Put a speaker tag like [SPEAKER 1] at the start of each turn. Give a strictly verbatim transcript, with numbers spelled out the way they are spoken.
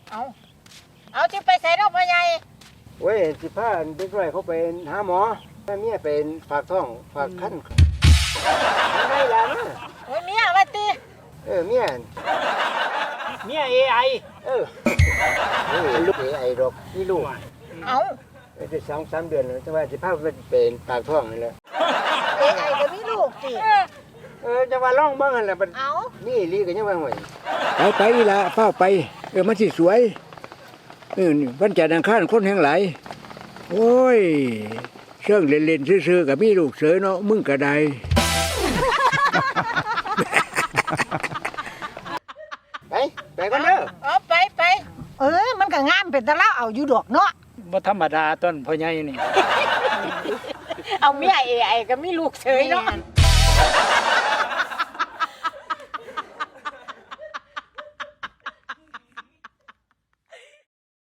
[SPEAKER 1] เอาเอาที่ไปใส่ดอกพ่อใหญ่
[SPEAKER 2] เว้ยสิพาเด็กน้อยเขาไปหาหมอแม่เมียเป็นฝากท้องฝากคันได้แล้วนะ
[SPEAKER 1] โอ้ยเมียว่าติ
[SPEAKER 2] เออเมีย
[SPEAKER 3] เมีย เอ ไอ
[SPEAKER 2] เออเออลูกเอไอดอกนี่ลูก
[SPEAKER 1] เอา
[SPEAKER 2] ได้สองสามเดือนแล้วแต่ว่าสิพาไปเป็นฝากท้องนี่แหละ
[SPEAKER 1] เอไอก็มีลูกติ
[SPEAKER 2] เออจะว่าร้องเบิ่งหั่นแหละบัด
[SPEAKER 1] เอา
[SPEAKER 2] นี่ลีก็ยังว่าห่วยไปไปอีหล่ะเฝ้าไปเออมันสิสวยเออวันจันทร์อังคารคนแห่งหลายโอ้ยเชิงเล่นๆซื่อๆก็มีลูกเสยเนาะมึงก็ได้ไปไปกันเด้อ
[SPEAKER 1] เอาไปไปเออมันก็งามเป็นตะละเอาอยู่ดอกเนาะ
[SPEAKER 3] บ่ธรรมดาต้นพ่อใหญ่นี่
[SPEAKER 1] เอาเมีย เอ ไอ ก็มีลูกเฉยเนาะ